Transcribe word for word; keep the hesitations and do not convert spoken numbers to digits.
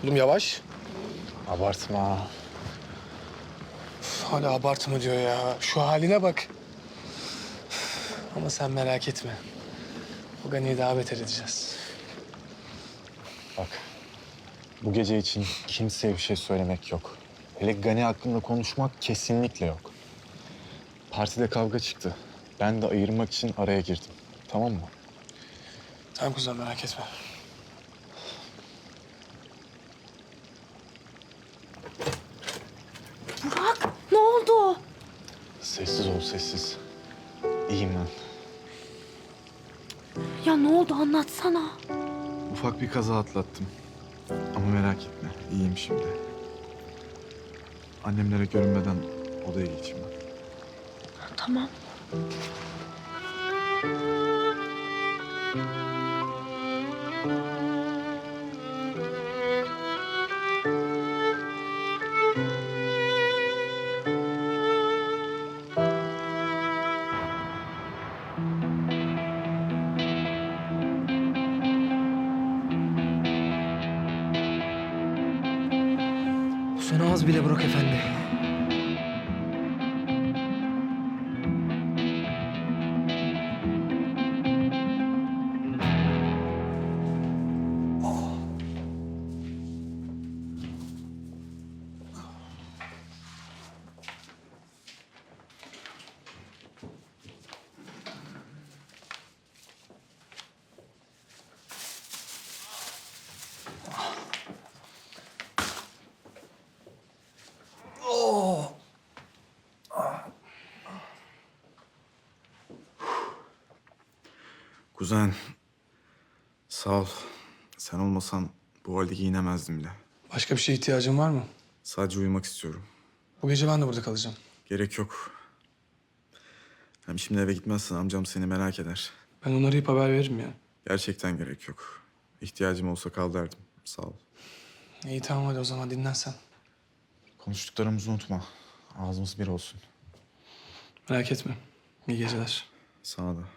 Oğlum yavaş. Abartma. Üf, hala abartma diyor ya. Şu haline bak. Ama sen merak etme. O Gani'yi daha beter edeceğiz. Bak, bu gece için kimseye bir şey söylemek yok. Hele Gani hakkında konuşmak kesinlikle yok. Partide kavga çıktı. Ben de ayırmak için araya girdim. Tamam mı? Tamam kuzen merak etme. Burak, ne oldu? Sessiz ol, sessiz. İyiyim ben. Ya ne oldu anlatsana. Ufak bir kaza atlattım. Ama merak etme, iyiyim şimdi. Annemlere görünmeden odaya geçeyim ben. Tamam. Bu sana az bile Burak Efendi. Kuzen, sağ ol. Sen olmasan bu halde giyinemezdim bile. Başka bir şeye ihtiyacın var mı? Sadece uyumak istiyorum. Bu gece ben de burada kalacağım. Gerek yok. Hem şimdi eve gitmezsen amcam seni merak eder. Ben onu arayıp haber veririm ya. Gerçekten gerek yok. İhtiyacım olsa kal derdim. Sağ ol. İyi tamam hadi o zaman dinlen sen. Konuştuklarımızı unutma. Ağzımız bir olsun. Merak etme. İyi geceler. Sana da.